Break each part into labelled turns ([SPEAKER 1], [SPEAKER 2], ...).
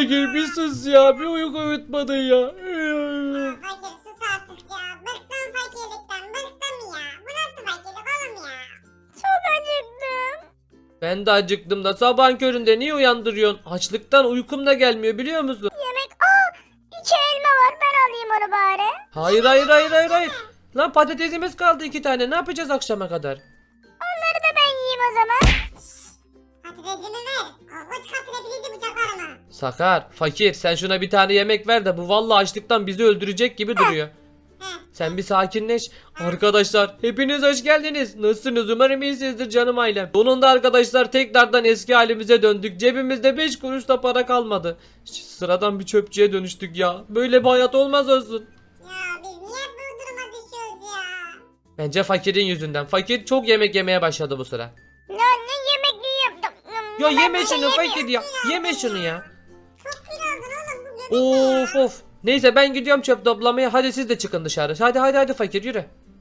[SPEAKER 1] fakir bir sus ya. Bir uyku uyutmadın ya.
[SPEAKER 2] Fakir sus artık ya. Bıktım fakirlikten. Bıktım ya. Bu nasıl fakirlik oğlum ya?
[SPEAKER 3] Çok acıktım.
[SPEAKER 1] Ben de acıktım da sabahın köründe niye uyandırıyorsun? Açlıktan uykum da gelmiyor biliyor musun?
[SPEAKER 3] Yemek. 2 elma var. Ben alayım onu bari.
[SPEAKER 1] Hayır. Lan patatesimiz kaldı 2 tane. Ne yapacağız akşama kadar?
[SPEAKER 3] Onları da ben yiyeyim o zaman.
[SPEAKER 2] Patatesimi ver. Avuç katılabilirdi bıçaklarıma.
[SPEAKER 1] Sakar, fakir sen şuna bir tane yemek ver de bu vallahi açlıktan bizi öldürecek gibi duruyor. Sen bir sakinleş. Arkadaşlar hepiniz hoş geldiniz. Nasılsınız? Umarım iyisinizdir canım ailem. Sonunda arkadaşlar tekrardan eski halimize döndük. Cebimizde 5 kuruş da para kalmadı. Sıradan bir çöpçüye dönüştük ya. Böyle bir hayat olmaz olsun.
[SPEAKER 2] Ya biz niye bu duruma düşüyoruz ya?
[SPEAKER 1] Bence fakirin yüzünden. Fakir çok yemek yemeye başladı bu sıra.
[SPEAKER 3] Ne yemek yiyeyim.
[SPEAKER 1] Ya
[SPEAKER 3] Ben
[SPEAKER 1] yeme
[SPEAKER 3] bir şey
[SPEAKER 1] şunu
[SPEAKER 3] yemiyorum.
[SPEAKER 1] fakir ya. Yeme şunu ya.
[SPEAKER 2] Çok kilo oldun oğlum bu göbek ne ya?
[SPEAKER 1] Of. Neyse ben gidiyorum çöp toplamaya. Hadi siz de çıkın dışarı. Hadi fakir yürü.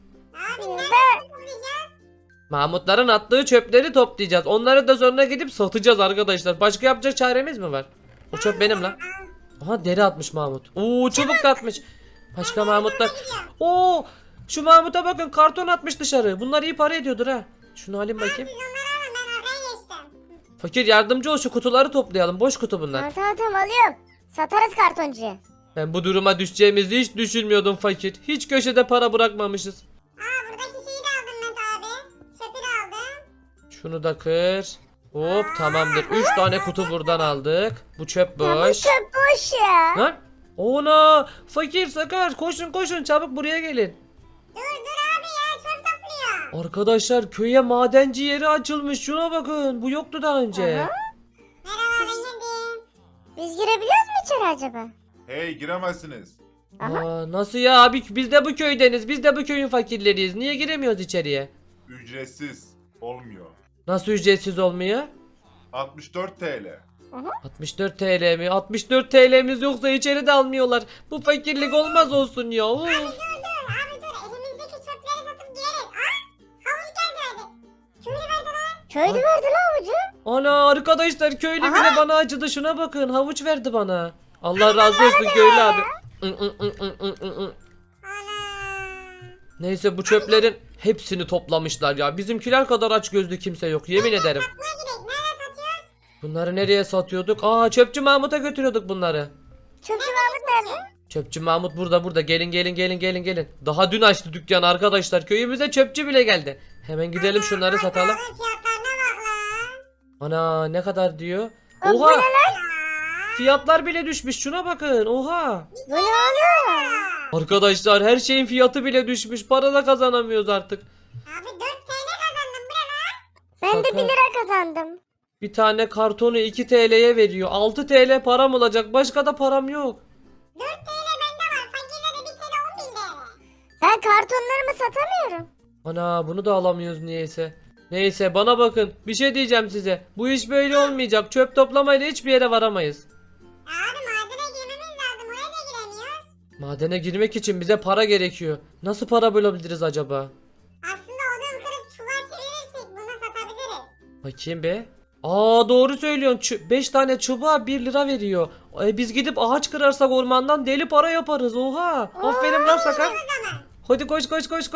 [SPEAKER 2] Abi nereden toplayacağız?
[SPEAKER 1] Mahmutların attığı çöpleri toplayacağız. Onları da sonra gidip satacağız arkadaşlar. Başka yapacak çaremiz mi var? O çöp benim lan. Aha deri atmış Mahmut. Oo çubuk da atmış. Başka Mahmutlar. Oo şu Mahmut'a bakın karton atmış dışarı. Bunlar iyi para ediyordur ha. Şunu alayım bakayım.
[SPEAKER 2] Siz onları alın ben arkaya geçtim.
[SPEAKER 1] Fakir yardımcı ol şu kutuları toplayalım. Boş kutu bunlar.
[SPEAKER 3] Tamam alıyorum. Satarız kartoncuya.
[SPEAKER 1] Ben bu duruma düşeceğimizi hiç düşünmüyordum fakir. Hiç köşede para bırakmamışız.
[SPEAKER 2] Buradaki şeyi de aldım Mete abi. Çöpü de aldım.
[SPEAKER 1] Şunu da kır. Hop tamamdır. 3 tane kutu buradan aldık. Bu çöp
[SPEAKER 3] Ya bu
[SPEAKER 1] boş.
[SPEAKER 3] çöp boş ya.
[SPEAKER 1] Lan. Ona fakir sakar koşun çabuk buraya gelin.
[SPEAKER 2] Dur abi ya çöp topluyor.
[SPEAKER 1] Arkadaşlar köye madenci yeri açılmış. Şuna bakın. Bu yoktu daha önce.
[SPEAKER 3] Aha.
[SPEAKER 2] Merhaba ben geldim.
[SPEAKER 3] Biz girebiliyoruz mu içeri acaba?
[SPEAKER 4] Hey giremezsiniz.
[SPEAKER 1] Nasıl ya abi biz de bu köydeniz. Biz de bu köyün fakirleriyiz. Niye giremiyoruz içeriye?
[SPEAKER 4] Ücretsiz olmuyor.
[SPEAKER 1] Nasıl ücretsiz olmuyor?
[SPEAKER 4] 64 TL.
[SPEAKER 1] 64 TL mi? 64 TL'miz yoksa içeri de almıyorlar. Bu fakirlik olmaz olsun ya. Uf.
[SPEAKER 2] Abi dur elimizdeki çöpleri satıp gideriz. Havuç geldi hadi. Köylü verdi lan.
[SPEAKER 3] Köylü verdi lan avucu.
[SPEAKER 1] Ana arkadaşlar köylü bile bana acıdı. Şuna bakın havuç verdi bana. Allah razı olsun köylü abi.
[SPEAKER 2] Ana.
[SPEAKER 1] Neyse bu çöplerin hepsini toplamışlar ya. Bizimkiler kadar aç gözlü kimse yok yemin ederim.
[SPEAKER 2] Satmaya gidelim. Nereye satıyoruz?
[SPEAKER 1] Bunları nereye satıyorduk? Çöpçü Mahmut'a götürüyorduk bunları.
[SPEAKER 3] Çöpçü Mahmut nerede?
[SPEAKER 1] Çöpçü Mahmut burada. Gelin. Daha dün açtı dükkanı arkadaşlar. Köyümüze çöpçü bile geldi. Hemen gidelim şunları satalım.
[SPEAKER 2] Bunun fiyatlarına bak lan.
[SPEAKER 1] Ana ne kadar diyor?
[SPEAKER 3] Bu
[SPEAKER 1] Oha
[SPEAKER 3] ne lan?
[SPEAKER 1] fiyatlar bile düşmüş. Şuna bakın. Oha.
[SPEAKER 3] Bu ne oğlum?
[SPEAKER 1] Arkadaşlar her şeyin fiyatı bile düşmüş. Para da kazanamıyoruz artık.
[SPEAKER 2] Abi 4 TL kazandım bre lan.
[SPEAKER 3] Ben de
[SPEAKER 1] Şaka.
[SPEAKER 3] 1 lira kazandım.
[SPEAKER 1] Bir tane kartonu 2 TL'ye veriyor. 6 TL param olacak. Başka da param yok.
[SPEAKER 2] 4 TL bende var. Fakirlere 1 TL 10 bin TL.
[SPEAKER 3] Ben kartonlarımı satamıyorum.
[SPEAKER 1] Ana bunu da alamıyoruz niyeyse. Neyse bana bakın. Bir şey diyeceğim size. Bu iş böyle olmayacak. Çöp toplamayla hiçbir yere varamayız.
[SPEAKER 2] Abi madene girmemiz lazım. Oraya da giremiyoruz.
[SPEAKER 1] Madene girmek için bize para gerekiyor. Nasıl para bulabiliriz acaba?
[SPEAKER 2] Aslında odun kırıp çuval çevirirsek bunu satabiliriz.
[SPEAKER 1] Bakayım be. Doğru söylüyorsun. 5 tane çubuğa 1 lira veriyor. Biz gidip ağaç kırarsak ormandan deli para yaparız. Oha. Aferin lan Sakar. Hadi koş.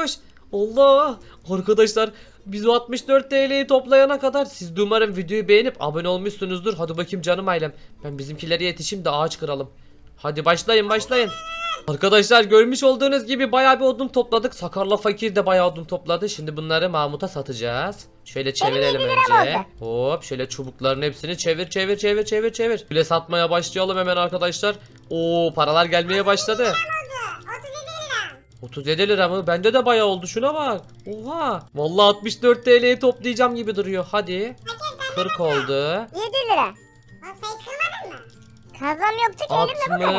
[SPEAKER 1] Allah. Arkadaşlar biz o 64 TL'yi toplayana kadar siz de umarım videoyu beğenip abone olmuşsunuzdur. Hadi bakayım canım ailem. Ben bizimkilere yetişeyim de ağaç kıralım. Hadi başlayın. Arkadaşlar görmüş olduğunuz gibi bayağı bir odun topladık. Sakarla Fakir de bayağı odun topladı. Şimdi bunları Mahmut'a satacağız. Şöyle çevirelim
[SPEAKER 3] 7 liram
[SPEAKER 1] önce. Hop şöyle çubukların hepsini çevir. Şöyle satmaya başlayalım hemen arkadaşlar. Paralar gelmeye başladı.
[SPEAKER 2] 37 lira.
[SPEAKER 1] 37 lira mı? Bende de bayağı oldu şuna bak. Oha. Vallahi 64 TL'yi toplayacağım gibi duruyor. Hadi. 40 oldu.
[SPEAKER 3] 7 lira.
[SPEAKER 2] Oğlum sen hiç kırmadın mı?
[SPEAKER 3] Kazmam yoktu ki elimle bu kadar.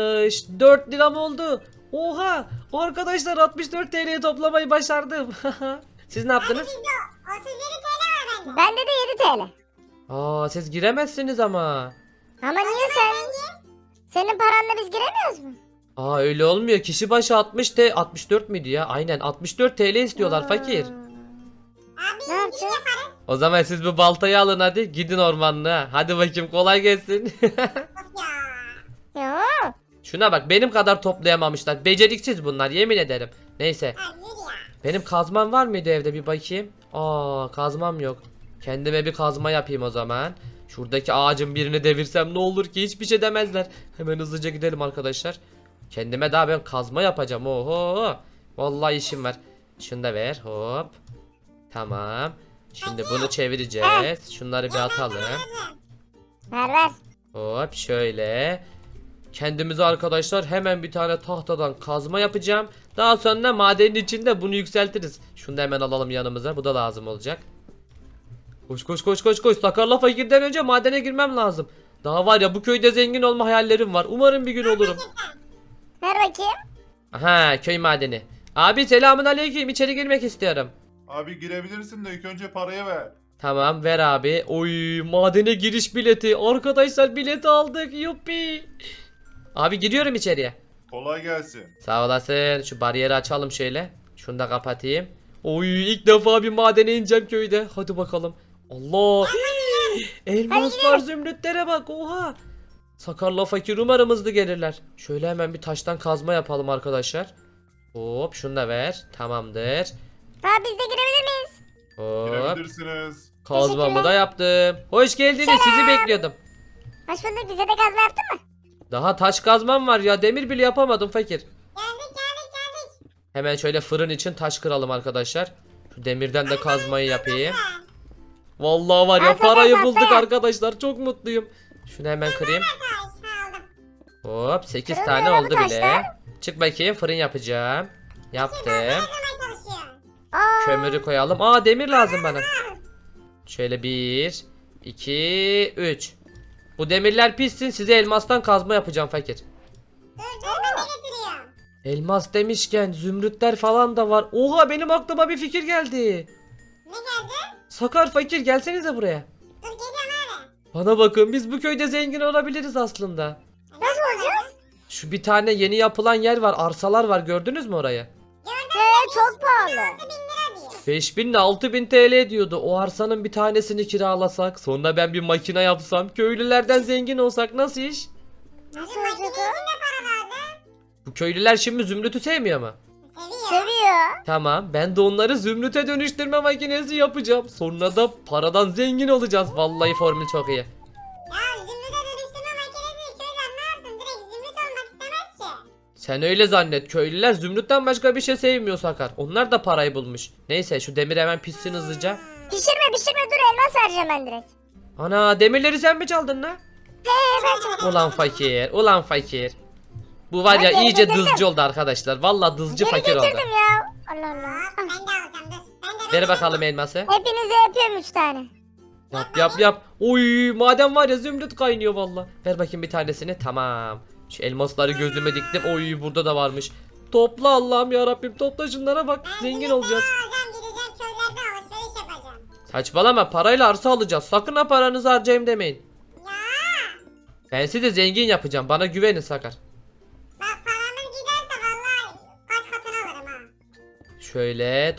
[SPEAKER 1] 64 liram oldu. Oha. Arkadaşlar 64 TL'yi toplamayı başardım. Siz ne yaptınız?
[SPEAKER 2] Bizde 37 TL var bende.
[SPEAKER 3] Bende de 7 TL.
[SPEAKER 1] Siz giremezsiniz ama.
[SPEAKER 3] Ama niye sen? Senin paranla biz giremiyoruz mu?
[SPEAKER 1] Öyle olmuyor. Kişi başı 64 müydü ya? Aynen 64 TL istiyorlar fakir.
[SPEAKER 2] Abi
[SPEAKER 3] Ne yapacağız?
[SPEAKER 1] O zaman siz bu baltayı alın hadi. Gidin ormanlığa. Hadi bakayım kolay gelsin.
[SPEAKER 2] Of ya.
[SPEAKER 1] Şuna bak, benim kadar toplayamamışlar. Beceriksiz bunlar, yemin ederim. Neyse.
[SPEAKER 2] Abi yürü ya.
[SPEAKER 1] Benim kazmam var mıydı evde, bir bakayım. Aa, kazmam yok. Kendime bir kazma yapayım o zaman. Şuradaki ağacın birini devirsem ne olur ki, hiçbir şey demezler. Hemen hızlıca gidelim arkadaşlar. Kendime daha ben kazma yapacağım. Oho. Vallahi işim var. Şunu da ver, hop. Tamam. Şimdi bunu çevireceğiz. Şunları bir atalım.
[SPEAKER 3] Ver ver.
[SPEAKER 1] Hop şöyle. Kendimize arkadaşlar hemen bir tane tahtadan kazma yapacağım. Daha sonra madenin içinde bunu yükseltiriz. Şunu da hemen alalım yanımıza. Bu da lazım olacak. Koş koş koş koş koş. Sakarla fakirden önce madene girmem lazım. Daha var ya, bu köyde zengin olma hayallerim var. Umarım bir gün olurum.
[SPEAKER 3] Ver bakayım.
[SPEAKER 1] Aha, köy madeni. Abi selamun aleyküm. İçeri girmek istiyorum.
[SPEAKER 4] Abi girebilirsin de ilk önce parayı ver.
[SPEAKER 1] Tamam, ver abi. Oy, madene giriş bileti. Arkadaşlar bileti aldık. Yuppi. Abi giriyorum içeriye.
[SPEAKER 4] Kolay gelsin.
[SPEAKER 1] Sağ olasın. Şu bariyeri açalım şöyle. Şunu da kapatayım. Oy, ilk defa bir madene ineceğim köyde. Hadi bakalım. Allah. Elmaslar, zümrütlere bak. Oha. Sakarla fakir umarım hızlı gelirler. Şöyle hemen bir taştan kazma yapalım arkadaşlar. Hop, şunu da ver. Tamamdır.
[SPEAKER 3] Abi biz de girebilir miyiz?
[SPEAKER 1] Hop.
[SPEAKER 4] Girebilirsiniz.
[SPEAKER 1] Kazmamı da yaptım. Hoş geldiniz. Sizi bekliyordum.
[SPEAKER 3] Hoş bulduk. Bize de kazma yaptın mı?
[SPEAKER 1] Daha taş kazmam var ya. Demir bile yapamadım fakir.
[SPEAKER 2] Geldik geldik.
[SPEAKER 1] Hemen şöyle fırın için taş kıralım arkadaşlar. Şu demirden de kazmayı yapayım. Vallahi var ya,
[SPEAKER 3] Aferin,
[SPEAKER 1] parayı
[SPEAKER 3] aferin.
[SPEAKER 1] bulduk arkadaşlar. Çok mutluyum. Şunu hemen kırayım.
[SPEAKER 2] Taş aldım.
[SPEAKER 1] Hop, 8
[SPEAKER 3] Kırılmıyor
[SPEAKER 1] tane
[SPEAKER 3] lan bu
[SPEAKER 1] oldu bile.
[SPEAKER 3] taşlar.
[SPEAKER 1] Çık bakayım, fırın yapacağım. Yaptım.
[SPEAKER 2] Hemen çalışıyor.
[SPEAKER 3] Aa,
[SPEAKER 1] Kömürü koyalım. Aa, demir lazım bana. Şöyle 1 2 3. Bu demirler pişsin, size elmastan kazma yapacağım fakir.
[SPEAKER 2] Dur ben de getiriyorum.
[SPEAKER 1] Elmas demişken zümrütler falan da var. Oha, benim aklıma bir fikir geldi.
[SPEAKER 2] Ne geldi?
[SPEAKER 1] Sakar fakir, gelsenize buraya.
[SPEAKER 2] Dur geliyorum abi.
[SPEAKER 1] Bana bakın, biz bu köyde zengin olabiliriz aslında.
[SPEAKER 2] Nasıl olacağız?
[SPEAKER 1] Şu bir tane yeni yapılan yer var, arsalar var, gördünüz mü orayı?
[SPEAKER 3] çok pahalı.
[SPEAKER 2] 6.000 lira diyor.
[SPEAKER 1] 5000 ile 6000 TL diyordu. O arsanın bir tanesini kiralasak, sonra ben bir makine yapsam, köylülerden zengin olsak nasıl iş?
[SPEAKER 3] Nasıl
[SPEAKER 2] Makine
[SPEAKER 3] olacak
[SPEAKER 2] için
[SPEAKER 3] o?
[SPEAKER 2] de para lazım.
[SPEAKER 1] Bu köylüler şimdi zümrütü sevmiyor mu?
[SPEAKER 2] Seviyor.
[SPEAKER 3] Seviyor.
[SPEAKER 1] Tamam, ben de onları zümrüte dönüştürme makinesi yapacağım. Sonra da paradan zengin olacağız. Vallahi formül çok iyi.
[SPEAKER 2] Ya zümrüte dönüştürme makinesi köyler ne yapsın? Direkt zümrüt olmak istemez ki.
[SPEAKER 1] Sen öyle zannet. Köylüler zümrütten başka bir şey sevmiyor Sakar. Onlar da parayı bulmuş. Neyse, şu demir hemen pişsin hızlıca.
[SPEAKER 3] Pişirme dur, elmas vereceğim ben direkt.
[SPEAKER 1] Ana, demirleri sen mi çaldın lan?
[SPEAKER 3] Ben çaldım.
[SPEAKER 1] Ulan fakir, ulan fakir. Bu var ya,
[SPEAKER 3] Ben
[SPEAKER 1] iyice
[SPEAKER 3] getirdim.
[SPEAKER 1] dızcı oldu arkadaşlar. Vallahi dızcı
[SPEAKER 3] Geri
[SPEAKER 1] fakir oldu.
[SPEAKER 3] getirdim ya. Allah Allah.
[SPEAKER 2] Hop ben de alacağım dur. Ben de
[SPEAKER 1] Ver bakalım elması.
[SPEAKER 3] Hepinize yapıyorum 3 tane.
[SPEAKER 1] Yap. Oy, madem var ya, zümrüt kaynıyor valla. Ver bakayım bir tanesini. Tamam. Şu elmasları gözüme diktim. Oy, burada da varmış. Topla Allah'ım ya Rabbim, topla şunlara bak. Zengin olacağız.
[SPEAKER 2] alacağım gideceğim köylerde alışveriş yapacağım.
[SPEAKER 1] Saçmalama, parayla arsa alacağız. Sakın ha paranızı harcayayım demeyin.
[SPEAKER 2] Ya
[SPEAKER 1] Ben sizi zengin yapacağım. Bana güvenin Sakar.
[SPEAKER 2] bak paramız giderse vallahi kaç katını alırım ha.
[SPEAKER 1] Şöyle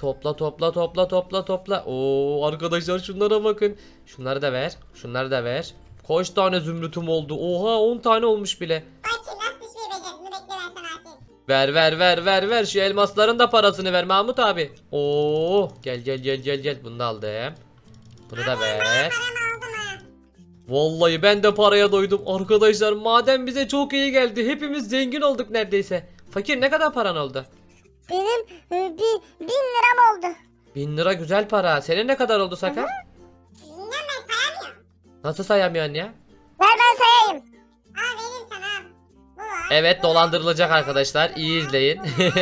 [SPEAKER 1] topla. Oo arkadaşlar, şunlara bakın. Şunları da ver. Kaç tane zümrütüm oldu? Oha, 10 tane olmuş bile.
[SPEAKER 2] Bak ki nasıl düşmeyi becerdin bekle ben sana atayım.
[SPEAKER 1] Ver. Şu elmasların da parasını ver Mahmut abi. Oo, gel. Bunu da aldım. Bunu da ver.
[SPEAKER 2] Paramı aldım ha.
[SPEAKER 1] Vallahi ben de paraya doydum. Arkadaşlar, maden bize çok iyi geldi. Hepimiz zengin olduk neredeyse. Fakir, ne kadar paran oldu?
[SPEAKER 3] Benim 1000 liram oldu.
[SPEAKER 1] 1000 lira güzel para. Senin ne kadar oldu Sakar?
[SPEAKER 2] Bilmem ben sayamıyorum.
[SPEAKER 1] Nasıl sayamıyorsun ya?
[SPEAKER 3] Ver ben sayayım.
[SPEAKER 2] Al vereyim sana al. Bu var.
[SPEAKER 1] Evet, dolandırılacak arkadaşlar. İyi izleyin.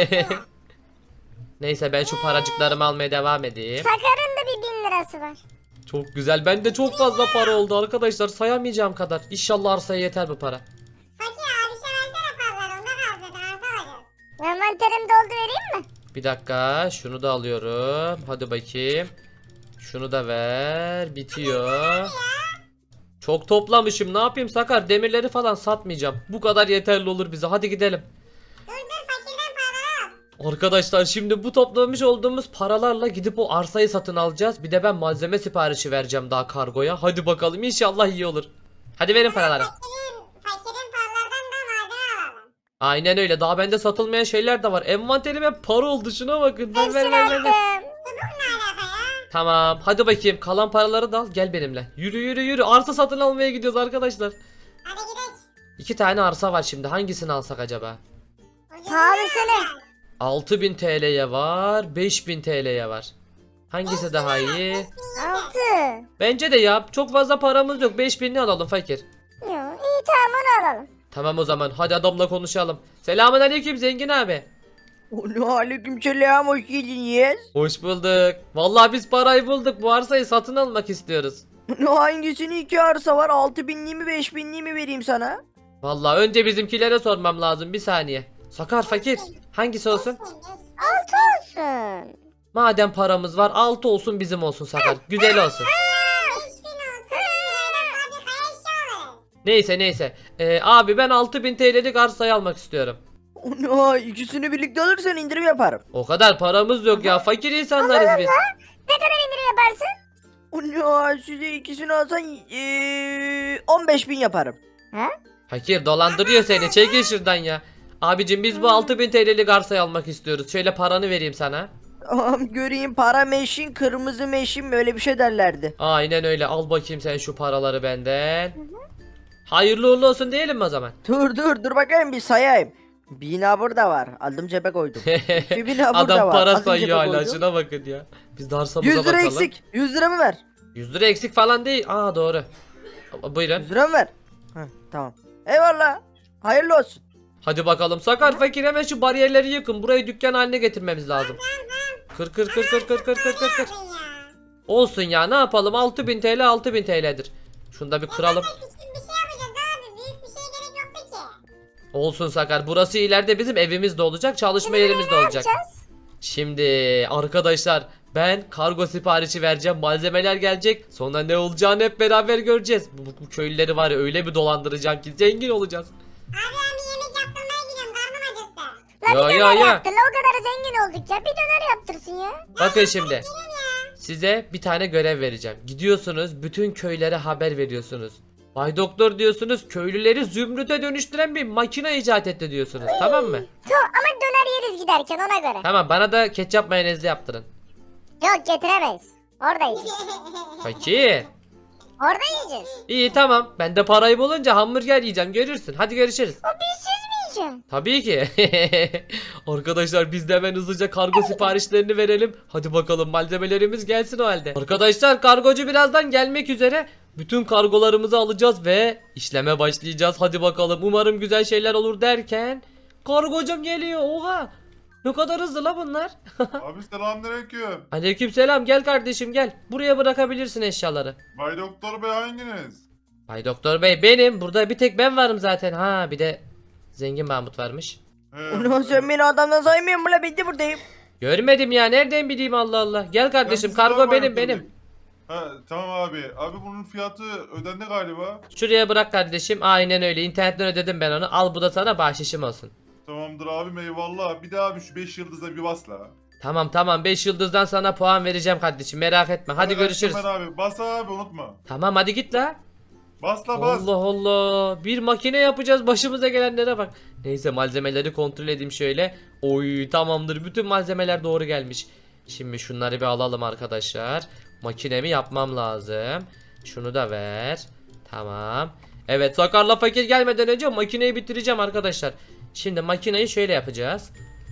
[SPEAKER 1] Neyse, ben şu paracıklarımı almaya devam edeyim.
[SPEAKER 3] Sakar'ın da bir 1000 lirası var.
[SPEAKER 1] Çok güzel. Bende çok fazla para oldu arkadaşlar. Sayamayacağım kadar. İnşallah arsaya yeter bu para.
[SPEAKER 2] Fakir abi bir şey versene paralar onda kaldı zaten arsa alacağız.
[SPEAKER 3] Envanterimi doldu vereyim mi?
[SPEAKER 1] Bir dakika. Şunu da alıyorum. Hadi bakayım. Şunu da ver. Bitiyor. Çok toplamışım. Ne yapayım Sakar? Demirleri falan satmayacağım. Bu kadar yeterli olur bize. Hadi gidelim.
[SPEAKER 2] Dur fakirden paraları al.
[SPEAKER 1] Arkadaşlar, şimdi bu toplamış olduğumuz paralarla gidip o arsayı satın alacağız. Bir de ben malzeme siparişi vereceğim daha kargoya. Hadi bakalım, inşallah iyi olur. Hadi verin paraları.
[SPEAKER 2] Fakirin paralardan da malzeme alalım.
[SPEAKER 1] Aynen öyle. Daha bende satılmayan şeyler de var. Envanterim hep para oldu. Şuna bakın. Ver, ver,
[SPEAKER 3] Hepsini
[SPEAKER 1] ver, ver, ver.
[SPEAKER 3] attım.
[SPEAKER 2] Ne alaka ya?
[SPEAKER 1] Tamam. Hadi bakayım. Kalan paraları da al. Gel benimle. Yürü yürü yürü. Arsa satın almaya gidiyoruz arkadaşlar.
[SPEAKER 2] Hadi gidelim.
[SPEAKER 1] 2 tane arsa var şimdi. Hangisini alsak acaba?
[SPEAKER 3] Pahalısını.
[SPEAKER 1] 6000 TL'ye var. 5000 TL'ye var. Hangisi daha iyi?
[SPEAKER 3] 6.
[SPEAKER 1] Bence de ya. Çok fazla paramız yok. 5000'ni alalım fakir.
[SPEAKER 3] Yo, iyi tamam onu alalım.
[SPEAKER 1] Tamam o zaman. Hadi adamla konuşalım. Selamünaleyküm zengin abi.
[SPEAKER 5] Aleykümselam, hoş geldiniz.
[SPEAKER 1] Hoş bulduk. Vallahi biz parayı bulduk. Bu arsayı satın almak istiyoruz.
[SPEAKER 5] Hangisini, iki arsa var, 6000'li mi 5000'li mi vereyim sana?
[SPEAKER 1] Vallahi önce bizimkilere sormam lazım. Bir saniye. Sakar fakir. Hangisi olsun?
[SPEAKER 3] 6 olsun.
[SPEAKER 1] Madem paramız var 6 olsun bizim olsun Sakar. Güzel olsun.
[SPEAKER 2] 5000 olsun. Fabrikaya eşya alırız.
[SPEAKER 1] Neyse neyse. Abi ben 6000 TL'lik arsayı almak istiyorum.
[SPEAKER 5] Ana, ikisini birlikte alırsan indirim yaparım.
[SPEAKER 1] O kadar paramız yok ya. Fakir insanlarız biz.
[SPEAKER 3] Ne kadar indirim yaparsın?
[SPEAKER 5] Ana, size ikisini alsan 15.000 yaparım.
[SPEAKER 1] Fakir dolandırıyor seni. Çekil şuradan ya. Abicim biz bu 6000 TL'lik arsayı almak istiyoruz. Şöyle paranı vereyim sana.
[SPEAKER 5] Tamam, göreyim, para meşin, kırmızı meşin, böyle bir şey derlerdi.
[SPEAKER 1] Aynen öyle. Al bakayım sen şu paraları benden. Hayırlı uğurlu olsun diyelim mi o zaman?
[SPEAKER 5] Dur bakayım bir sayayım. 1000 burada var, aldım cebe koydum. 2000 burada
[SPEAKER 1] Adam
[SPEAKER 5] var,
[SPEAKER 1] para
[SPEAKER 5] aldım
[SPEAKER 1] sayıyor
[SPEAKER 5] cebe
[SPEAKER 1] hala.
[SPEAKER 5] koydum.
[SPEAKER 1] Şuna bakın ya. Biz de arsamıza
[SPEAKER 5] 100 lira
[SPEAKER 1] bakalım.
[SPEAKER 5] eksik, 100 lira mı ver?
[SPEAKER 1] 100 lira eksik falan değil. Aa doğru. Buyurun.
[SPEAKER 5] 100 lira mı ver? Heh, tamam. Eyvallah. Hayırlı olsun.
[SPEAKER 1] Hadi bakalım. Sakar fakir hemen şu bariyerleri yıkın. Burayı dükkan haline getirmemiz lazım. Kır kır kır kır kır kır kır kır kır.
[SPEAKER 2] Yapın ya.
[SPEAKER 1] Olsun ya ne yapalım 6000 TL 6000 TL'dir. Şunu da bir kıralım.
[SPEAKER 2] Küçük bir şey yapacağız abi. Büyük bir şeye gerek yoktu ki.
[SPEAKER 1] Olsun Sakar. Burası ileride bizim evimiz de olacak. Çalışma yerimiz de olacak. Şimdi arkadaşlar ben kargo siparişi vereceğim. Malzemeler gelecek. Sonra ne olacağını hep beraber göreceğiz. Bu köylüleri var ya öyle bir dolandıracağım ki zengin olacağız.
[SPEAKER 2] Abi ben bir yemek yaptırmaya gidiyorum. Karnım acıktı.
[SPEAKER 3] La bir
[SPEAKER 1] Ya,
[SPEAKER 3] döner
[SPEAKER 1] ya.
[SPEAKER 3] yaptır la o kadar zengin olduk ya. Bir döner yaptırsın ya.
[SPEAKER 1] Bakın şimdi. Size bir tane görev vereceğim. Gidiyorsunuz bütün köylere haber veriyorsunuz. Bay Doktor diyorsunuz köylüleri zümrüte dönüştüren bir makine icat etti diyorsunuz. Tamam mı?
[SPEAKER 3] Ama döner yeriz giderken ona göre.
[SPEAKER 1] Tamam bana da ketçap mayonezli yaptırın.
[SPEAKER 3] Yok getiremeyiz. Orada yiyeceğiz.
[SPEAKER 1] Fakir.
[SPEAKER 3] Orada yiyeceğiz.
[SPEAKER 1] İyi tamam. Ben de parayı bulunca hamburger yiyeceğim. Görürsün. Hadi görüşürüz.
[SPEAKER 3] O bizsiz mi yiyeceğim?
[SPEAKER 1] Tabii ki. Arkadaşlar biz de hemen hızlıca kargo siparişlerini verelim. Hadi bakalım malzemelerimiz gelsin o halde. Arkadaşlar kargocu birazdan gelmek üzere. Bütün kargolarımızı alacağız ve işleme başlayacağız. Hadi bakalım. Umarım güzel şeyler olur derken kargocum geliyor. Oha. Ne kadar hızlı la bunlar.
[SPEAKER 4] Abi selamünaleyküm.
[SPEAKER 1] Aleykümselam. Gel kardeşim gel. Buraya bırakabilirsin eşyaları.
[SPEAKER 4] Bay Doktor Bey hanginiz?
[SPEAKER 1] Bay Doktor Bey benim. Burada bir tek ben varım zaten. Ha bir de Zengin Mahmut varmış.
[SPEAKER 5] Ulan sen beni adamdan saymıyorsun mu la, ben de buradayım.
[SPEAKER 1] Görmedim ya. Nereden bileyim Allah Allah. Gel kardeşim.
[SPEAKER 4] Ben
[SPEAKER 1] Kargo
[SPEAKER 4] sizden
[SPEAKER 1] benim
[SPEAKER 4] varım
[SPEAKER 1] benim.
[SPEAKER 4] tabii. Ha tamam abi. Abi bunun fiyatı ödendi galiba.
[SPEAKER 1] Şuraya bırak kardeşim. Aynen öyle. İnternetten ödedim ben onu. Al bu da sana bahşişim olsun.
[SPEAKER 4] Tamamdır abim, eyvallah. Bir daha abi şu 5 yıldıza bir bas la.
[SPEAKER 1] Tamam 5 yıldızdan sana puan vereceğim kardeşim. Merak etme. Hadi görüşürüz.
[SPEAKER 4] Hemen abi. Bas abi, unutma.
[SPEAKER 1] Tamam hadi git la.
[SPEAKER 4] Bas la bas.
[SPEAKER 1] Allah Allah. Bir makine yapacağız. Başımıza gelenlere bak. Neyse malzemeleri kontrol edeyim şöyle. Oy tamamdır. Bütün malzemeler doğru gelmiş. Şimdi şunları bir alalım arkadaşlar. Makinemi yapmam lazım. Şunu da ver. Tamam. Evet Sakarla Fakir gelmeden önce makineyi bitireceğim arkadaşlar. Şimdi makineyi şöyle yapacağız.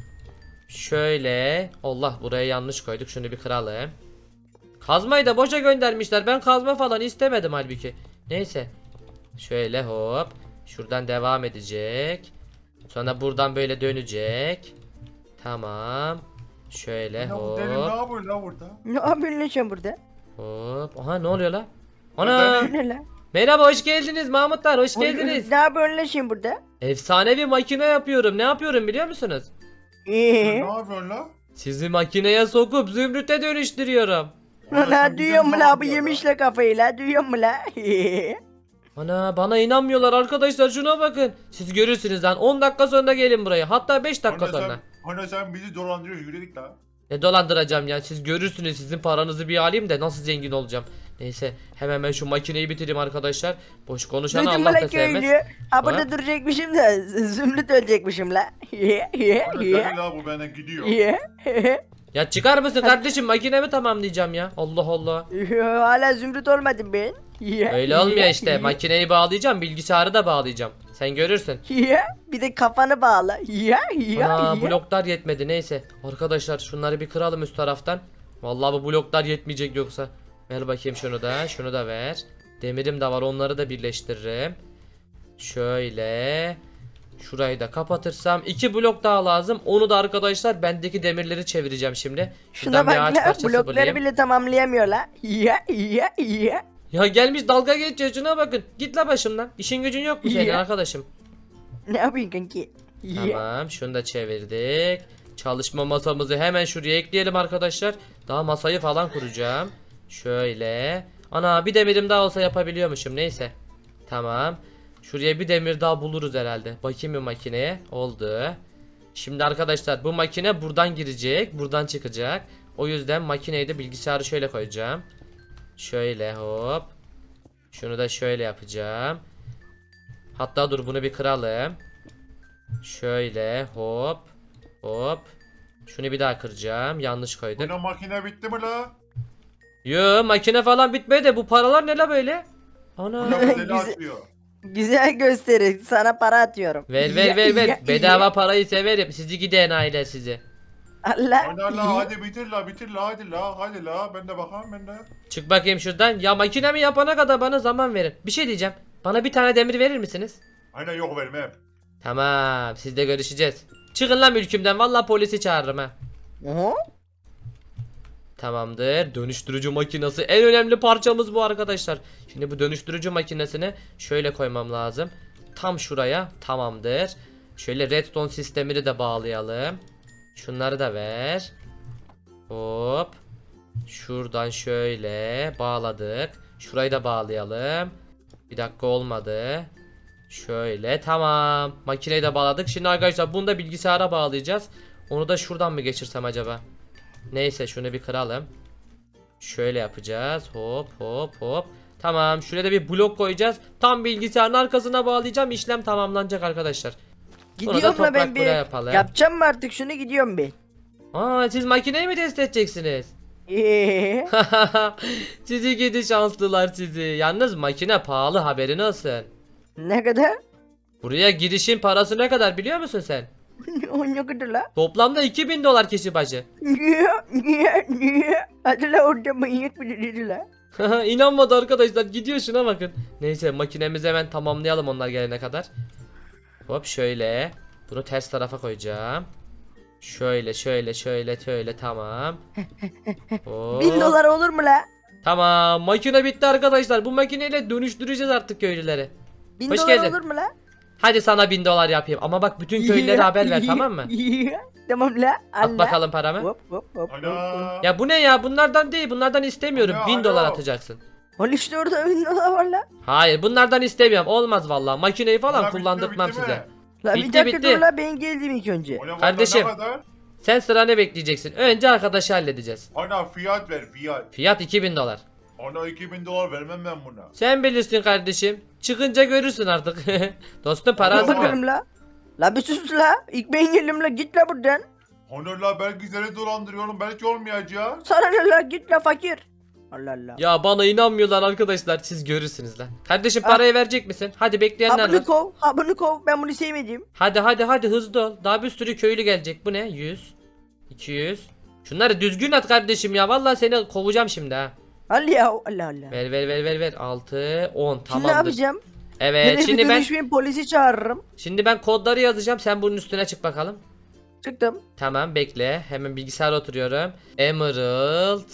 [SPEAKER 1] Şöyle. Allah buraya yanlış koyduk. Şunu bir kıralım. Kazmayı da boşa göndermişler. Ben kazma falan istemedim halbuki. Neyse. Şöyle hop. Şuradan devam edecek. Sonra buradan böyle dönecek. Tamam. Şöyle
[SPEAKER 4] Ya bu deli ne
[SPEAKER 1] hop.
[SPEAKER 4] yapıyor la burada?
[SPEAKER 5] Ne yapıyorsun lan sen burada?
[SPEAKER 1] Hop. Aha ne oluyor la?
[SPEAKER 4] Ben
[SPEAKER 1] Ana.
[SPEAKER 4] de-
[SPEAKER 5] Ne la?
[SPEAKER 1] Merhaba hoş geldiniz Mahmutlar hoş geldiniz.
[SPEAKER 5] Ne yapıyorsun lan sen burada?
[SPEAKER 1] Efsanevi makine yapıyorum. Ne yapıyorum biliyor musunuz?
[SPEAKER 4] Ne yapıyorsun la?
[SPEAKER 1] Sizi makineye sokup zümrüte dönüştürüyorum.
[SPEAKER 4] Ulan sen
[SPEAKER 5] La
[SPEAKER 4] bize
[SPEAKER 5] duyuyor mu
[SPEAKER 4] ne
[SPEAKER 5] la, bu
[SPEAKER 4] yapıyorsun
[SPEAKER 5] yemişle kafayı la, duyuyor mu la?
[SPEAKER 1] Ana bana inanmıyorlar arkadaşlar şuna bakın. Siz görürsünüz lan 10 dakika sonra gelin buraya. Hatta 5 dakika
[SPEAKER 4] Hani
[SPEAKER 1] sonra.
[SPEAKER 4] sen bizi dolandırıyorsun, yürü git la.
[SPEAKER 1] Ne dolandıracağım ya, siz görürsünüz, sizin paranızı bir alayım da nasıl zengin olacağım. Neyse hemen ben şu makineyi bitireyim arkadaşlar. Boş konuşanı
[SPEAKER 5] Duydun mu
[SPEAKER 1] Allah da
[SPEAKER 5] lan
[SPEAKER 1] sevmez.
[SPEAKER 5] köylü? Ha
[SPEAKER 1] Ha?
[SPEAKER 5] burada duracakmışım da Zümrüt ölecekmişim la.
[SPEAKER 4] Ana deli la bu benden gidiyor.
[SPEAKER 1] Ya çıkar mısın kardeşim, makinemi tamamlayacağım ya. Allah Allah.
[SPEAKER 5] Hala Zümrüt olmadım ben.
[SPEAKER 1] Öyle olmuyor işte, makineyi bağlayacağım, bilgisayarı da bağlayacağım. Sen görürsün.
[SPEAKER 5] Bir de kafanı bağla.
[SPEAKER 1] Ana bloklar yetmedi, neyse. Arkadaşlar şunları bir kıralım üst taraftan. Vallahi bu bloklar yetmeyecek yoksa. Ver bakayım şunu da ver. Demirim de var, onları da birleştiririm. Şöyle. Şurayı da kapatırsam 2 blok daha lazım. Onu da arkadaşlar bendeki demirleri çevireceğim şimdi.
[SPEAKER 5] Şuna
[SPEAKER 1] Şuradan bir
[SPEAKER 5] bak
[SPEAKER 1] ağaç
[SPEAKER 5] la
[SPEAKER 1] parçası
[SPEAKER 5] blokları
[SPEAKER 1] bulayım.
[SPEAKER 5] bile tamamlayamıyor la.
[SPEAKER 1] Ya gelmiş dalga geçiyor, şuna bakın. Git la başımdan. İşin gücün yok mu senin
[SPEAKER 5] Ya.
[SPEAKER 1] arkadaşım?
[SPEAKER 5] Ne yapayım kanki?
[SPEAKER 1] Tamam, şunu da çevirdik. Çalışma masamızı hemen şuraya ekleyelim arkadaşlar. Daha masayı falan kuracağım. Şöyle. Ana bir demirim daha olsa yapabiliyormuşum, neyse. Tamam. Şuraya bir demir daha buluruz herhalde. Bakayım bir makineye. Oldu. Şimdi arkadaşlar bu makine buradan girecek. Buradan çıkacak. O yüzden makineyi de bilgisayarı şöyle koyacağım. Şöyle hop. Şunu da şöyle yapacağım. Hatta dur bunu bir kıralım. Şöyle hop. Hop. Şunu bir daha kıracağım. Yanlış koyduk.
[SPEAKER 4] Ana makine bitti mi la?
[SPEAKER 1] Yo, makine falan bitmedi de bu paralar ne la böyle? Ana.
[SPEAKER 4] Ana bu deli
[SPEAKER 5] Güzel.
[SPEAKER 4] atıyor.
[SPEAKER 5] Güzel gösterir. Sana para atıyorum.
[SPEAKER 1] Ver. Bedava parayı severim. Sizi gidi enayiler sizi.
[SPEAKER 5] Allah.
[SPEAKER 4] Ana la hadi bitir la hadi la ben de bakalım ben de.
[SPEAKER 1] Çık bakayım şuradan. Ya makinemi yapana kadar bana zaman verin. Bir şey diyeceğim. Bana bir tane demir verir misiniz?
[SPEAKER 4] Ana yok vermem.
[SPEAKER 1] Tamam, sizle görüşeceğiz. Çıkın lan mülkümden, vallahi polisi çağırırım ha.
[SPEAKER 5] Oho.
[SPEAKER 1] Tamamdır. Dönüştürücü makinesi en önemli parçamız bu arkadaşlar. Şimdi bu dönüştürücü makinesini şöyle koymam lazım. Tam şuraya. Tamamdır. Şöyle redstone sistemini de bağlayalım. Şunları da ver. Hop. Şuradan şöyle bağladık. Şurayı da bağlayalım. Bir dakika, olmadı. Şöyle tamam. Makineyi de bağladık. Şimdi arkadaşlar bunu da bilgisayara bağlayacağız. Onu da şuradan mı geçirsem acaba? Neyse şunu bir kıralım. Şöyle yapacağız. Hop. Tamam, şuraya da bir blok koyacağız. Tam bilgisayarın arkasına bağlayacağım. İşlem tamamlanacak arkadaşlar. Sonra da
[SPEAKER 5] Gidiyorum la ben
[SPEAKER 1] toprak
[SPEAKER 5] bir.
[SPEAKER 1] buraya yapalım.
[SPEAKER 5] Yapacağım mı artık şunu, gidiyorum ben.
[SPEAKER 1] Aa, siz makineyi mi test edeceksiniz? Sizi gidi şanslılar sizi. Yalnız makine pahalı, haberin olsun.
[SPEAKER 5] Ne kadar?
[SPEAKER 1] Buraya girişin parası ne kadar biliyor musun sen?
[SPEAKER 5] O ne kadar la?
[SPEAKER 1] Toplamda 2000 dolar kişi başı.
[SPEAKER 5] Niye? Hadi la orada manyak bir dedi la.
[SPEAKER 1] İnanmadı arkadaşlar, gidiyor, şuna bakın. Neyse makinemizi hemen tamamlayalım onlar gelene kadar. Hop şöyle. Bunu ters tarafa koyacağım. Şöyle tamam. Hop.
[SPEAKER 5] 1000 dolar olur mu la?
[SPEAKER 1] Tamam, makine bitti arkadaşlar. Bu makineyle dönüştüreceğiz artık köylüleri.
[SPEAKER 5] 1000
[SPEAKER 1] Hoş
[SPEAKER 5] dolar
[SPEAKER 1] geldin.
[SPEAKER 5] olur mu la?
[SPEAKER 1] Hadi sana 1000 dolar yapayım ama bak bütün köylülere haber ver, tamam mı?
[SPEAKER 5] Tamam la.
[SPEAKER 1] At bakalım paramı.
[SPEAKER 5] Hop.
[SPEAKER 4] Ana.
[SPEAKER 1] Ya bu ne ya, bunlardan değil, bunlardan istemiyorum.
[SPEAKER 4] Alo,
[SPEAKER 1] 1000 dolar
[SPEAKER 4] alo.
[SPEAKER 1] atacaksın.
[SPEAKER 5] Al işte orada 1000 dolar var la.
[SPEAKER 1] Hayır, bunlardan istemiyorum, olmaz vallahi. Makineyi falan
[SPEAKER 4] Ana, bitti mi,
[SPEAKER 1] kullandırtmam
[SPEAKER 4] bitti mi?
[SPEAKER 1] size.
[SPEAKER 5] La
[SPEAKER 1] Bitti,
[SPEAKER 5] bir dakika
[SPEAKER 1] bitti.
[SPEAKER 5] dur la, ben geldim ilk önce.
[SPEAKER 4] Ana,
[SPEAKER 1] Kardeşim.
[SPEAKER 4] Ne kadar?
[SPEAKER 1] Sen sıranı bekleyeceksin. Önce arkadaşı halledeceğiz.
[SPEAKER 4] Ana fiyat ver fiyat.
[SPEAKER 1] Fiyat 2000 dolar.
[SPEAKER 4] Ana 2000 dolar vermem ben buna.
[SPEAKER 1] Sen bilirsin kardeşim. Çıkınca görürsün artık. Dostum, para
[SPEAKER 4] Alo,
[SPEAKER 1] hazır mı?
[SPEAKER 5] Bakalım la. La bir sus la. İlk ben geldim la, git la buradan.
[SPEAKER 4] Ana la belki seni dolandırıyorum belki olmayacak.
[SPEAKER 5] Sana ne la, git la fakir. Allah Allah.
[SPEAKER 1] Ya bana inanmıyorlar arkadaşlar, siz görürsünüz lan. Kardeşim parayı verecek misin? Hadi, bekleyenler var.
[SPEAKER 5] Bunu kov. Ben bunu sevmedim.
[SPEAKER 1] Hadi hızlı ol. Daha bir sürü köylü gelecek. Bu ne? 100 200. Şunları düzgün at kardeşim ya. Vallahi seni kovacağım şimdi ha.
[SPEAKER 5] Allah ya, Allah Allah.
[SPEAKER 1] Ver. 6 10
[SPEAKER 5] Şimdi ne
[SPEAKER 1] tamamdır.
[SPEAKER 5] yapacağım?
[SPEAKER 1] Evet,
[SPEAKER 5] Şimdi polisi çağırırım.
[SPEAKER 1] şimdi ben kodları yazacağım. Sen bunun üstüne çık bakalım.
[SPEAKER 5] Çıktım.
[SPEAKER 1] Tamam, bekle. Hemen bilgisayara oturuyorum. Emerald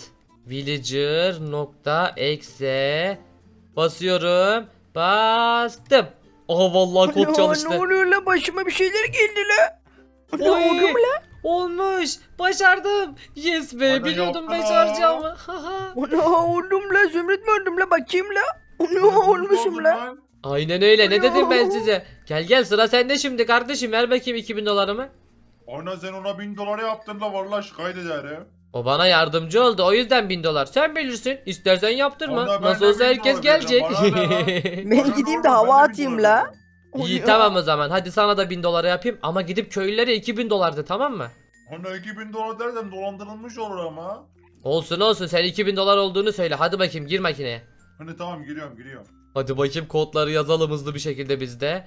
[SPEAKER 1] villager.exe basıyorum. Bastım. Aha vallahi kod çalıştı.
[SPEAKER 5] Ne oluyor la, başıma bir şeyler geldi la. Ne
[SPEAKER 1] Oy.
[SPEAKER 5] oldu mu la?
[SPEAKER 1] Olmuş. Başardım. Yes be.
[SPEAKER 4] Ana
[SPEAKER 1] Biliyordum
[SPEAKER 4] yapma.
[SPEAKER 1] başaracağımı. Haha.
[SPEAKER 5] Ana oldum la, Zümrüt mü oldum la, bakayım la. Ne olmuşum la.
[SPEAKER 1] Aynen öyle. Ne
[SPEAKER 5] Ana.
[SPEAKER 1] dedim ben size? Gel sıra sende şimdi kardeşim. Ver bakayım 2000 dolarımı.
[SPEAKER 4] Ana sen ona 1000 dolar yaptın da vallahi şikayet ederim.
[SPEAKER 1] O bana yardımcı oldu. O yüzden 1000 dolar. Sen bilirsin. İstersen yaptırma.
[SPEAKER 4] Ana, ben
[SPEAKER 1] Nasıl
[SPEAKER 4] de
[SPEAKER 1] olsa
[SPEAKER 4] 1000
[SPEAKER 1] herkes
[SPEAKER 4] dolar
[SPEAKER 1] gelecek.
[SPEAKER 4] vereceğim. Bana ne lan?
[SPEAKER 5] Ben
[SPEAKER 4] Bana
[SPEAKER 5] gideyim
[SPEAKER 4] ne
[SPEAKER 5] de
[SPEAKER 4] oğlum,
[SPEAKER 5] hava
[SPEAKER 4] ben de 1000
[SPEAKER 5] atayım
[SPEAKER 4] dolar
[SPEAKER 5] la.
[SPEAKER 4] vereceğim.
[SPEAKER 1] İyi tamam o zaman. Hadi sana da 1000 dolara yapayım. Ama gidip köylülere 2000 dolardı, tamam mı?
[SPEAKER 4] Ana 2000 dolar dersen dolandırılmış olur ama.
[SPEAKER 1] Olsun olsun, sen 2000 dolar olduğunu söyle. Hadi bakayım, gir makineye.
[SPEAKER 4] Hani tamam giriyorum.
[SPEAKER 1] Hadi bakayım, kodları yazalım hızlı bir şekilde bizde.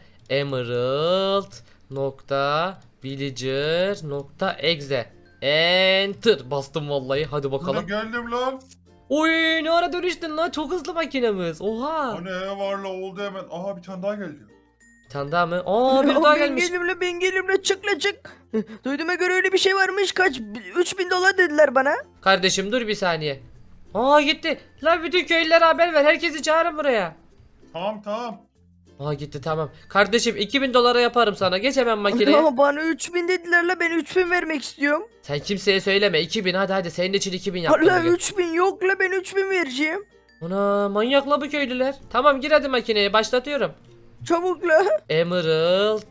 [SPEAKER 1] Emerald.villager.exe Enter. Bastım vallahi. Hadi
[SPEAKER 4] Ana
[SPEAKER 1] bakalım.
[SPEAKER 4] geldim lan.
[SPEAKER 1] Oy, ne ara dönüştün lan? Çok hızlı makinemiz. Oha.
[SPEAKER 4] Ana varla oldu hemen. Aha bir tane daha geldi.
[SPEAKER 1] Bir tane daha mı? Aa, bir daha
[SPEAKER 5] Ben
[SPEAKER 1] gelmiş.
[SPEAKER 5] gelirim la, ben gelirim la, çık la çık. Duyduğuma göre öyle bir şey varmış, kaç 3000 dolar dediler bana.
[SPEAKER 1] Kardeşim dur bir saniye. Aa, gitti. Lan bütün köylülere haber ver. Herkesi çağırın buraya.
[SPEAKER 4] Tamam.
[SPEAKER 1] Aa, gitti, tamam. Kardeşim 2000 dolara yaparım sana. Geç hemen makineye.
[SPEAKER 5] Ama bana 3000 dediler la, ben 3000 vermek istiyorum.
[SPEAKER 1] Sen kimseye söyleme. 2000, hadi senin için 2000 yaptım.
[SPEAKER 5] Allah,
[SPEAKER 1] bugün.
[SPEAKER 5] 3000 yok la, ben 3000 vereceğim.
[SPEAKER 1] Ana, manyakla bu köylüler. Tamam, gir hadi makineye, başlatıyorum.
[SPEAKER 5] Çabuk la.
[SPEAKER 1] Emerald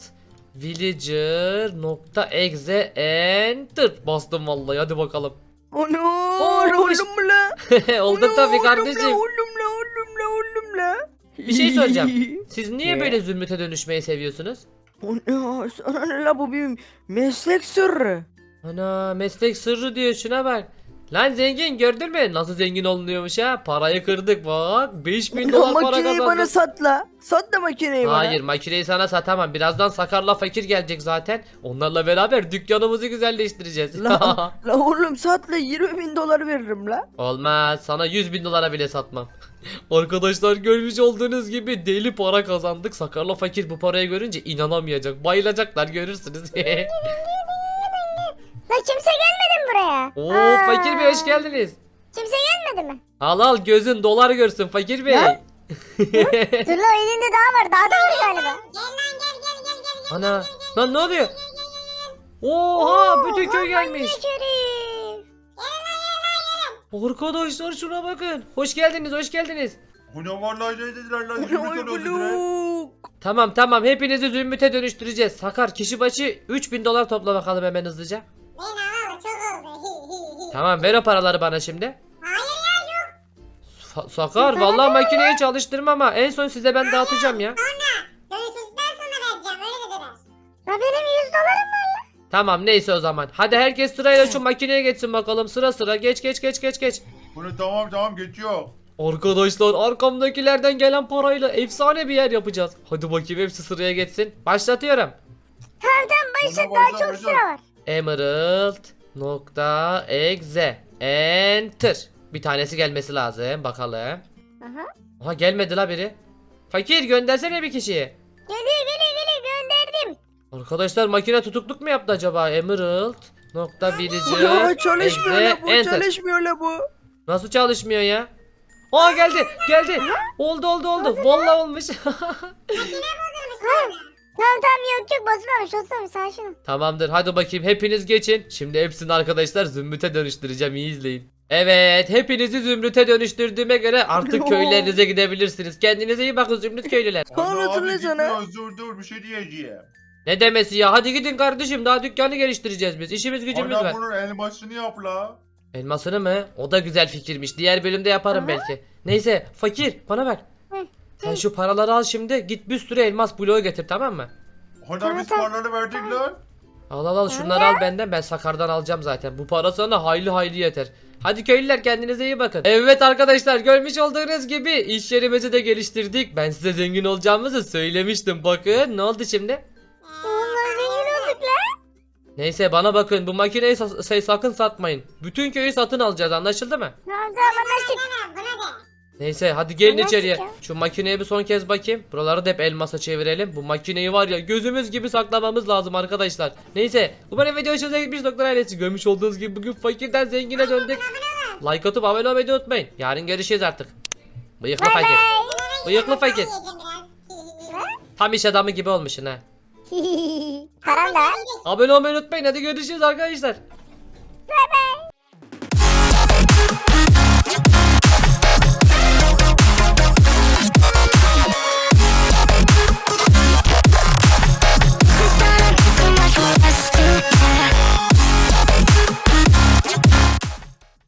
[SPEAKER 1] Villager.exe Enter. Bastım vallahi, hadi bakalım.
[SPEAKER 5] Ana,
[SPEAKER 1] olmuş.
[SPEAKER 5] oğlum la.
[SPEAKER 1] Oldu
[SPEAKER 5] Ana,
[SPEAKER 1] tabii
[SPEAKER 5] oğlum
[SPEAKER 1] kardeşim.
[SPEAKER 5] la, oğlum la.
[SPEAKER 1] Bir şey soracağım. Siz niye
[SPEAKER 5] Ne?
[SPEAKER 1] böyle zümrüte dönüşmeyi seviyorsunuz?
[SPEAKER 5] Ana, sana ne la, bu bir meslek sırrı.
[SPEAKER 1] Ana, meslek sırrı diyor, şuna bak. Lan zengin, gördün mü? Nasıl zengin olunuyormuş ha? Parayı kırdık bak. 5000
[SPEAKER 5] Ana,
[SPEAKER 1] dolar para
[SPEAKER 5] makineyi bana
[SPEAKER 1] kazandık.
[SPEAKER 5] sat la. Sat da makineyi bana.
[SPEAKER 1] Hayır, makineyi sana satamam. Birazdan Sakar'la Fakir gelecek zaten. Onlarla beraber dükkanımızı güzelleştireceğiz.
[SPEAKER 5] La, la oğlum sat la, 20.000 dolar veririm la.
[SPEAKER 1] Olmaz. Sana 100.000 dolara bile satmam. Arkadaşlar, görmüş olduğunuz gibi deli para kazandık. Sakar'la Fakir bu parayı görünce inanamayacak. Bayılacaklar, görürsünüz.
[SPEAKER 3] La kimse gelmedi mi buraya?
[SPEAKER 1] Oo,
[SPEAKER 3] Aa,
[SPEAKER 1] Fakir Bey hoş geldiniz.
[SPEAKER 3] Kimse gelmedi mi?
[SPEAKER 1] Al al, gözün dolar görsün Fakir Bey.
[SPEAKER 3] Dur la, elinde daha var. Daha da var galiba.
[SPEAKER 2] Gel lan gel.
[SPEAKER 1] Ana, lan ne oluyor? Oha, bütün köy gelmiş.
[SPEAKER 3] Manyak herif.
[SPEAKER 1] Arkadaşlar şuna bakın. Hoş geldiniz, hoş geldiniz.
[SPEAKER 4] Ana vallahi şey dediler lan.
[SPEAKER 5] Ana,
[SPEAKER 4] 20
[SPEAKER 5] oy
[SPEAKER 4] tane öldürdüler.
[SPEAKER 5] buluk.
[SPEAKER 1] Tamam, hepinizi zümrüte dönüştüreceğiz. Sakar, kişi başı 3000 dolar topla bakalım hemen hızlıca.
[SPEAKER 2] Ben alalı çok oldu.
[SPEAKER 1] Tamam, ver o paraları bana şimdi.
[SPEAKER 2] Hayır ya yok.
[SPEAKER 1] Sakar, vallahi makineyi çalıştırma ama en son size ben dağıtacağım ya.
[SPEAKER 2] Dönüşünden sonra vereceğim öyle dediler.
[SPEAKER 3] La benim 100 dolarım var.
[SPEAKER 1] Tamam, neyse o zaman. Hadi herkes sırayla şu makineye geçsin bakalım, sıra sıra. Geç.
[SPEAKER 4] Bunu tamam geçiyor.
[SPEAKER 1] Arkadaşlar, arkamdakilerden gelen parayla efsane bir yer yapacağız. Hadi bakayım, hepsi sıraya geçsin. Başlatıyorum.
[SPEAKER 3] Tamam başlat,
[SPEAKER 4] Ona
[SPEAKER 3] daha
[SPEAKER 4] başla,
[SPEAKER 3] çok
[SPEAKER 4] başla.
[SPEAKER 3] sıra var.
[SPEAKER 1] Emerald.exe Enter. Bir tanesi gelmesi lazım. Bakalım.
[SPEAKER 3] Aha.
[SPEAKER 1] Aha, gelmedi la biri. Fakir, göndersene bir kişiyi.
[SPEAKER 3] Geliyor gönderdim.
[SPEAKER 1] Arkadaşlar, makine tutukluk mu yaptı acaba? Emerald.villager
[SPEAKER 5] Ana, çalışmıyor la bu,
[SPEAKER 1] Enter.
[SPEAKER 5] çalışmıyor la bu.
[SPEAKER 1] Nasıl çalışmıyor ya? Aa, geldi. Oldu. Vallahi olmuş.
[SPEAKER 3] Tamam yok basmamış sakin ol.
[SPEAKER 1] Tamamdır, hadi bakayım, hepiniz geçin. Şimdi hepsini arkadaşlar zümrüte dönüştüreceğim, iyi izleyin. Evet, hepinizi zümrüte dönüştürdüğüme göre artık köylerinize gidebilirsiniz. Kendinize iyi bakın zümrüt köylüler.
[SPEAKER 5] Sağ
[SPEAKER 4] Ana
[SPEAKER 5] olasın
[SPEAKER 4] abi
[SPEAKER 5] la sana.
[SPEAKER 4] gitmiyoruz, dur bir şey diyeceğim.
[SPEAKER 1] Ne demesi ya, hadi gidin kardeşim, daha dükkanı geliştireceğiz biz. İşimiz gücümüz
[SPEAKER 4] Ana
[SPEAKER 1] var.
[SPEAKER 4] bunun elmasını yap la.
[SPEAKER 1] Elmasını mı? O da güzel fikirmiş. Diğer bölümde yaparım belki. Neyse Fakir, bana ver.
[SPEAKER 3] Hı.
[SPEAKER 1] Sen şu paraları al şimdi, git bir sürü elmas bloğu getir, tamam mı?
[SPEAKER 4] Ana biz
[SPEAKER 3] Tamam.
[SPEAKER 4] paraları verdik lan.
[SPEAKER 1] Al şunları al benden, ben Sakar'dan alacağım zaten. Bu para sana hayli yeter. Hadi köylüler, kendinize iyi bakın. Evet arkadaşlar, görmüş olduğunuz gibi iş yerimizi de geliştirdik. Ben size zengin olacağımızı söylemiştim. Bakın ne oldu şimdi?
[SPEAKER 3] Vallahi zengin olduk la.
[SPEAKER 1] Neyse, bana bakın, bu makineyi sakın satmayın. Bütün köyü satın alacağız, anlaşıldı mı?
[SPEAKER 3] Tamam anlaştık.
[SPEAKER 2] Demem buna de.
[SPEAKER 1] Neyse, hadi gelin
[SPEAKER 3] Anlaştık
[SPEAKER 1] içeriye.
[SPEAKER 3] ya.
[SPEAKER 1] Şu makineye bir son kez bakayım. Buraları da hep elmasa çevirelim. Bu makineyi var ya, gözümüz gibi saklamamız lazım arkadaşlar. Neyse, umarım video hoşunuza gitmiş Doktor ailesi. Görmüş olduğunuz gibi bugün fakirden zengine döndük. Like atıp abone olmayı da unutmayın. Yarın görüşeceğiz artık. Bıyıklı fakir. Bıyıklı fakir.
[SPEAKER 2] Yiyeceğim biraz.
[SPEAKER 1] Tam iş adamı gibi olmuşsun ha.
[SPEAKER 3] Param da var.
[SPEAKER 1] Abone olmayı unutmayın. Hadi görüşürüz arkadaşlar.
[SPEAKER 3] Bye bye.